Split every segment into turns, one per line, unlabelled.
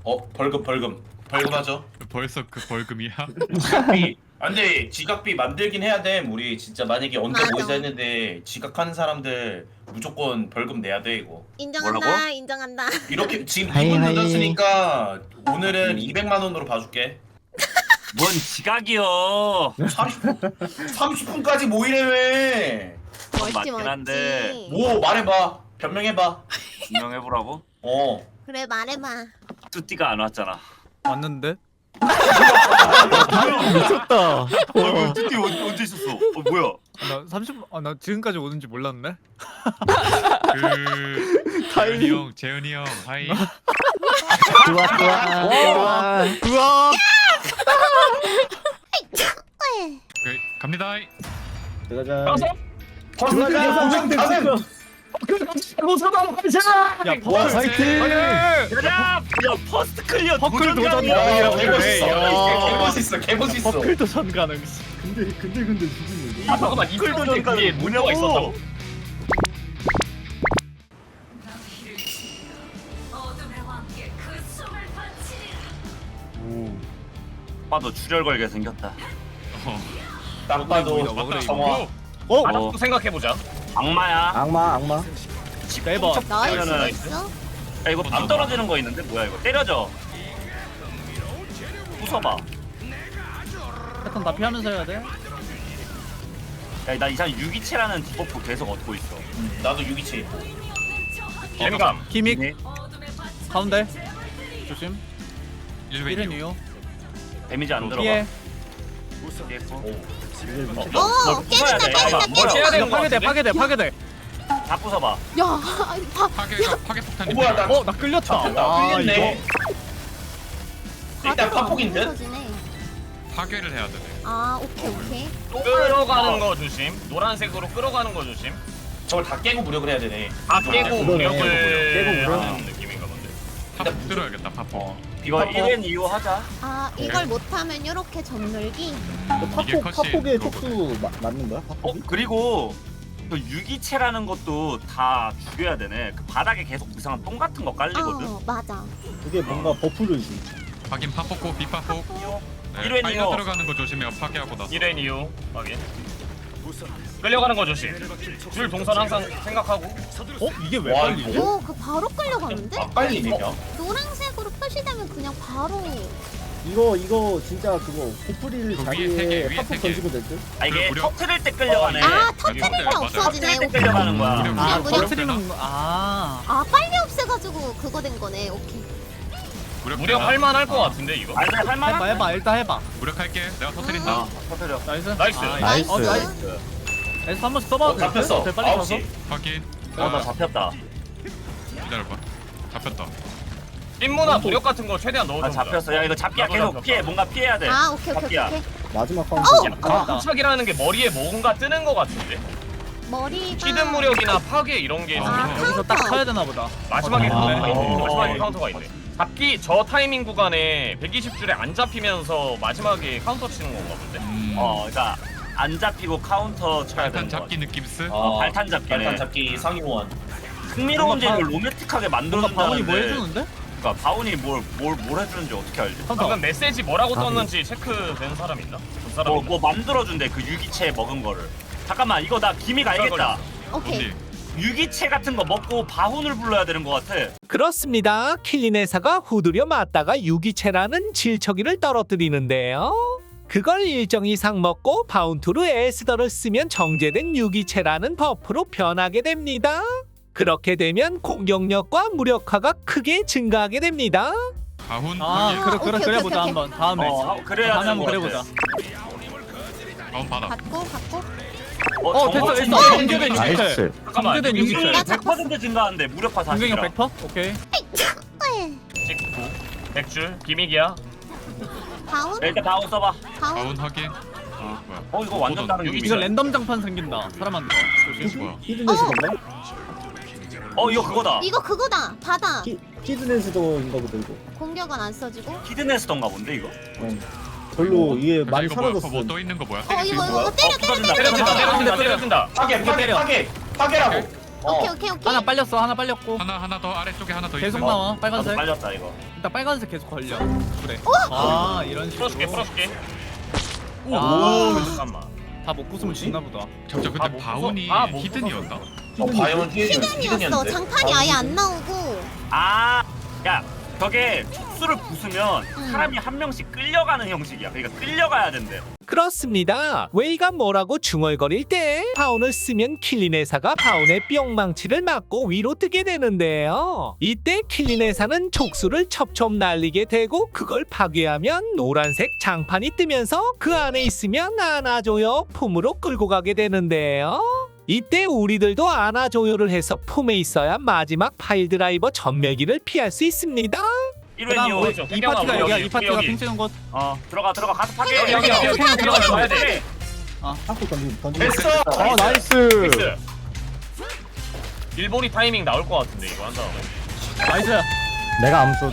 벌금하죠.
벌써 그 벌금이야?
지각비. 근데 지각비 만들긴 해야 돼. 우리 진짜 만약에 언제
맞아.
모이자 했는데 지각하는 사람들 무조건 벌금 내야 돼 이거.
인정한다.
뭐라고?
인정한다.
이렇게 지금
하이,
2분
하이.
늦었으니까 오늘은 200만 원으로 봐줄게.
뭔 지각이요.
30분까지 모이래매.
멀지
맞긴
멀지.
한데.
뭐 말해봐. 변명해봐.
분명해보라고?
어.
그래 말해봐.
뚜띠가 안 왔잖아.
왔는데?
미쳤다.
뚜띠 언제 있었어? 뭐야?
나 30. 나 지금까지 오는지 몰랐네.
그 재현이 형, 재현이 형, 하이.
좋아 좋아.
우와.
오케이, 갑니다.
들어가자.
퍼스트클리어 보장 가능.
야
와 화이팅.
야 퍼스트 클리어
퍼클 도전
도전이야.
가능이라고
개멋있어.
그래.
개멋있어.
퍼클 도전 가능.
근데 죽이네.
아 잠깐만 이 도전 그게 뭐냐고 있었다고? 봐도 출혈 걸게 생겼다.
딱 봐도
먹으래,
정화.
또 생각해보자. 악마야.
악마.
빼봐.
나이스
그러면은-
나이스.
야 이거 밥 떨어지는 거 있는데 뭐야 이거? 때려줘. 부숴봐.
패턴 다 피하면서 해야 돼.
야나 이상 유기체라는 디버프 계속 얻고 있어.
나도 유기체.
엠감.
기믹
네.
가운데. 조심. 1은
1회
이유.
데미지 안 들어가.
피해.
피했고.
오 깨진다 깨진다
이거 파괴돼.
다 부숴봐.
야
파괴 폭탄이.
뭐야 나
나 끌렸다.
나 끌렸네. 일단 파폭인 듯.
터지네.
파괴를 해야 되네.
아 오케이.
끌어가는 거 조심. 노란색으로 끌어가는 거 조심.
저걸 다 깨고 무력을 해야 되네.
다 깨고
그러네.
무력을
깨고 무력.
하는 느낌인가 본데.
파폭 들어야겠다. 파폭.
이거 1엔 2호 하자.
아 이걸 못하면 요렇게 전멸기.
이게 컷이
파폭의
그거거든.
촉수 맞는 거야? 파폭이?
그리고 그 유기체라는 것도 다 죽여야 되네. 그 바닥에 계속 이상한 똥 같은 거 깔리거든.
맞아.
그게 뭔가 버프를 주.
확인 파폭고 비파폭. 네,
1회
파이어
이거.
들어가는 거 조심해요. 파괴하고 나서.
1엔 이후 확인. 끌려가는 거 조심. 줄 동선 항상 생각하고.
이게 왜
와,
걸리지?
오 그 바로 끌려가는데?
아 빨리네 그냥.
노란색으로 표시되면 그냥 바로.
이거 진짜 그거 고프릴
그 위에 세 개,
자리에
위에 세
파폭
개.
던지고 될 듯?
아 이게
무력.
터트릴 때 끌려가네.
아 터트릴 때
맞아요.
없어지네.
터트릴 때
오케이.
끌려가는 거야.
무력.
아
무력.
터트리는
아 빨리 없애가지고 그거 된 거네. 오케이.
무력 할만할 것 같은데 이거.
아니 할만한.
해봐 일단 해봐.
무력할게. 내가 터뜨린다.
터트려.
나이스.
나이스.
나이스.
나이스. 에서 한번 써봐도 될 듯?
잡혔어.
빨리 가서.
9시.
확인.
어나 잡혔다.
기다려봐. 잡혔다.
찐무나 무력 같은 거 최대한
나
넣어줘.
잡혔어. 야 이거 잡기야 계속 피해. 뭔가 피해야 돼.
아 오케이.
잡기야.
마지막
어우!
카운트.
포착이라는 게 머리에 뭔가 뜨는 거 같은데.
머리가.
히든 무력이나 파괴 이런 게
아,
여기서 딱 쳐야 되나 보다.
마지막에
아,
카운터가 있네.
어.
마지막에 카운터가 있네. 잡기 저 타이밍 구간에 120줄에 안 잡히면서 마지막에 카운터 치는 건가 본데.
그러니까 안 잡히고 카운터 쳐야 되는
발탄
거.
잡기 느낌스.
발탄 잡기네.
발탄 잡기 상위원.
흥미로운 게
뭔가
이걸 로맨틱하게
뭔가
만들어준다는데.
바운이 뭐 해주는데?
그러니까 바운이 뭘 해주는지 어떻게 알지?
방금 메시지 뭐라고 떴는지 체크된 사람 있나? 본 사람 있나?
뭐 만들어준대 그 유기체 먹은 거를. 잠깐만 이거 나 기믹 알겠다.
오케이.
언니.
유기체 같은 거 먹고 바운을 불러야 되는 거 같아.
그렇습니다. 킬리네사가 후드려 맞다가 유기체라는 질척이를 떨어뜨리는데요. 그걸 일정 이상 먹고 바운투르 에스더를 쓰면 정제된 유기체라는 버프로 변하게 됩니다. 그렇게 되면 공격력과 무력화가 크게 증가하게 됩니다.
가훈
아
확인.
그래
오케이, 오케이,
보자
오케이.
한번 다음에.
그래야
다음에
되는
한번
거
그래보자.
같아.
가훈 받아.
갖고.
됐어 됐어.
정말
정제된 유기체.
나이스.
잠깐만.
정제된 유기체.
나 잡았어.
100% 증가한대 무력화
공격력
40이랑.
100%? 오케이.
찍고 100줄 기믹이야.
다운.
일단 바운 써봐.
다운.
가훈 확인. 뭐야?
이거 완전 다른
여기
이거
유기체.
랜덤 장판 생긴다. 사람한테. 조심.
뭐야?
히든넷이 건가?
이거 그거다.
이거 그거다. 바다.
히든넷이도인가 보다 이거.
공격은 안 써지고.
히든에스던가 본데 이거.
별로 이게 많이
이거 뭐야?
사라졌어.
뭐또 있는 거 뭐야?
이거 때려.
부서진다.
때려준다.
때려.
파괴. 파괴라고.
오케이.
하나 빨렸어 하나 빨렸고
하나 더 아래쪽에 하나 더
계속
있어.
나와
나도
빨간색
빨렸다 이거.
일단 빨간색 계속 걸려 그래 아 이런 식으로
풀어줄게.
아.
잠깐만.
다 못 부수면 죽나 보다
잠깐
아,
근데
못
바운이
부숴? 아, 못
히든이었나?
바이온
히든이었어.
히든이었는데.
장판이 아예 안 나오고.
야 저게 촉수를 부수면 사람이 한 명씩 끌려가는 형식이야. 그러니까 끌려가야 된대.
그렇습니다. 웨이가 뭐라고 중얼거릴 때 바운을 쓰면 킬리네사가 바운의 뿅망치를 맞고 위로 뜨게 되는데요. 이때 킬리네사는 촉수를 첩첩 날리게 되고 그걸 파괴하면 노란색 장판이 뜨면서 그 안에 있으면 안아줘요 품으로 끌고 가게 되는데요. 이때 우리들도 안아줘요를 해서 품에 있어야 마지막 파일 드라이버 전멸기를 피할 수 있습니다.
1회
그다음
이후
우리 이 파티가 여기야 이 파티가
여기.
핑 찍은 곳
들어가 가서 파괴.
여기
그냥 들어가자.
가야 돼.
한국 던지고
됐어.
픽스. 일본이 타이밍 나올 것 같은데 이거 한 다음에.
나이스
내가 암수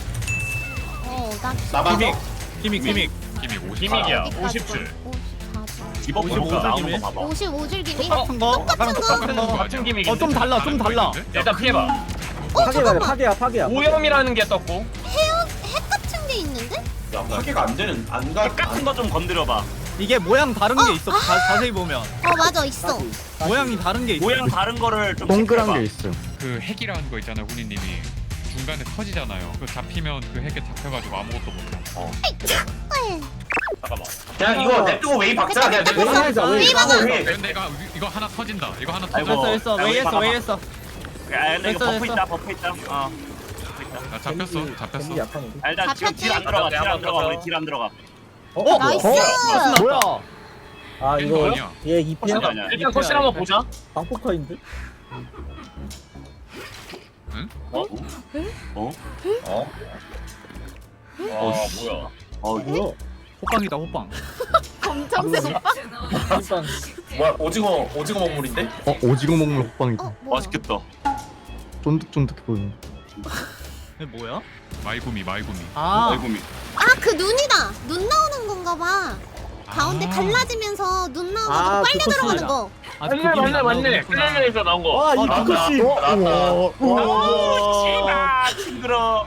나
나만
기믹
힘이 50.
기믹이야.
어디까지
50줄.
54줄.
디버프
55
나오는 거 봐봐.
55줄 기믹.
똑같은 거 아까랑 똑같은 거
같은 기믹인데.
좀 달라 좀 달라
일단 피해봐.
파괴야.
오염이라는 게 떴고.
핵 같은 게 있는데?
야 파괴가 안 되는 안 가.
같은 거 좀 건드려봐.
이게 모양 다른 게 있어 자세히 보면
맞아 있어.
모양이 다른 게 있어
모양 다른 거를 좀
동그란
체크해봐.
게 있음.
그 핵이라는 거 있잖아요, 훈이님이. 중간에 터지잖아요. 그 잡히면 그 핵에 잡혀가지고 아무것도 못해.
잠깐만.
그냥 이거 냅두고 웨이 박자. 그냥 냅두고
웨이 하자, 웨이.
웨이.
근데 이거 하나 터진다. 이거 하나
아이고.
터져.
됐어
야, 우리 봐봐.
왜 했어
야, 근데 이거
됐어,
버프
됐어.
있다. 버프 있다.
나 잡혔어.
겐지 약하는데.
일단 지금 딜 안 들어가. 딜 안 들어가. 우리 딜 안 들어가.
나이스.
뭐야? 아 이거
아니야.
얘 2패야?
아니야.
일단 컷실 한번 보자.
방포카인데?
어?
뭐야?
뭐야?
호빵이다 호빵
검정색 오빠?
일단
뭐야 오징어 먹물인데?
오징어 먹물 호빵이다.
뭐야?
맛있겠다.
쫀득쫀득해 보이네.
이게 뭐야?
마이구미.
아
아이고미.
그 눈이다. 눈 나오는 건가 봐. 가운데 갈라지면서 눈 나와가지고
아,
빨리
그
들어가는
코스야.
거.
맞네. 클레이에서 나온 거.
와
나왔다.
이코씨.
아, 징그러.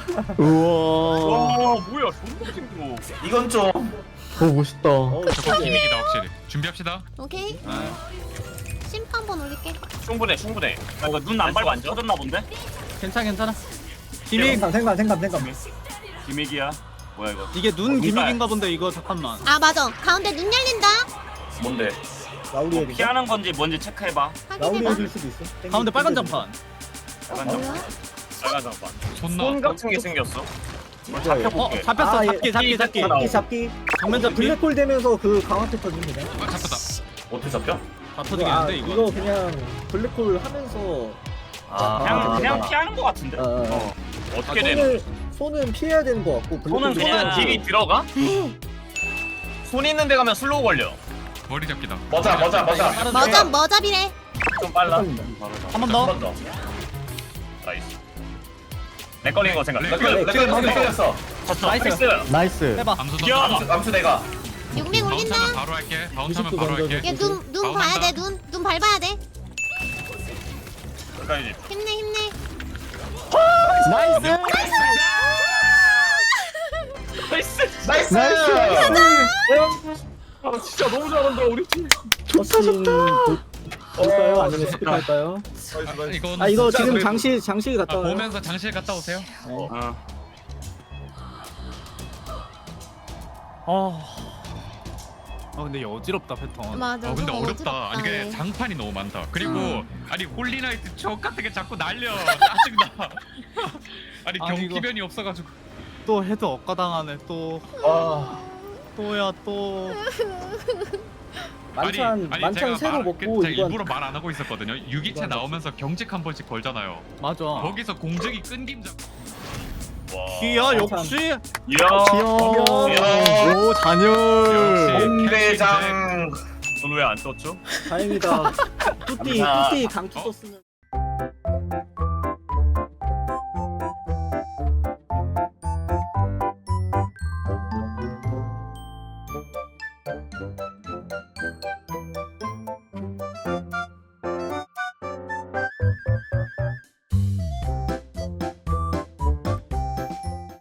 우와.
뭐야? 존나 징그러.
이건 좀
멋있다.
저거 기믹이다 확실히. 준비합시다.
오케이. 심판 한번 올릴게.
충분해.
아, 이거 눈 안 밟고 안 터졌나 본데?
괜찮아 기믹
생각.
기믹이야. 뭐야 이거?
이게 눈 기믹인가 본데 이거 잠깐만
맞아. 가운데 눈 열린다.
뭔데?
라우리 애들.
피하는 건지 뭔지 체크해봐.
라우리
확인해봐.
애들 수도 있어.
가운데 빨간 장판
빨간
뭐야?
점.
빨간 장판.
손
손
나.
같은 게 생겼어.
잡혀볼게.
잡혔어
아, 예.
잡기
잡기.
정면 잡기
블랙홀 되면서 그 강화태 터집니다.
잡혔다.
어떻게 잡혀?
다 터지겠는데 이거
이거 그냥 블랙홀 하면서
그냥 피하는 거 같은데?
어떻게 되는?
손은 피해야 되는 거 같고
손은
블랙홀
그냥
손은 딜이 들어가? 손 있는 데 가면 슬로우 걸려.
머리 잡기다.
맞아.
머잡이래.
좀 빨라.
한 번
한
더
번 더.
나이스. 내 걸린 거 생각.
레클 방금 때렸어.
나이스
나이스.
해봐
암수 던져.
야!
암수 내가.
육맥
바운스
올린다.
하면 바로 할게. 바운스 하면 바로 할게.
얘 눈 봐야 돼. 눈 밟아야 돼.
여기까지.
힘내.
나이스
나이스.
아 진짜 너무 잘한다 우리 팀.
좋다. 볼까요? 아니면 스킵할까요?
이건
이거
진짜
지금
그래도-
장실 갔다 와요.
보면서 장실 갔다 오세요.
근데 이거 어지럽다 패턴
맞아.
근데
좀
어렵다. 아니
어지럽다,
이게
얘.
장판이 너무 많다. 그리고 아니 홀리나이트 저 같은 게 자꾸 날려. 짜증나. 아니
아니,
경기변이 없어가지고.
또 해도 억가당하네 또 또야 또
만찬 새로 먹고
제가
이건
일부러 말 안 하고 있었거든요. 유기체
이건
나오면서 경직 한 번씩 걸잖아요.
맞아
거기서 공직이 끊김 잡.
기야
만찬.
역시
이야.
오 잔열.
홍대장.
넌 왜 안 떴죠?
다행이다. 뚜띠 강투 썼으면.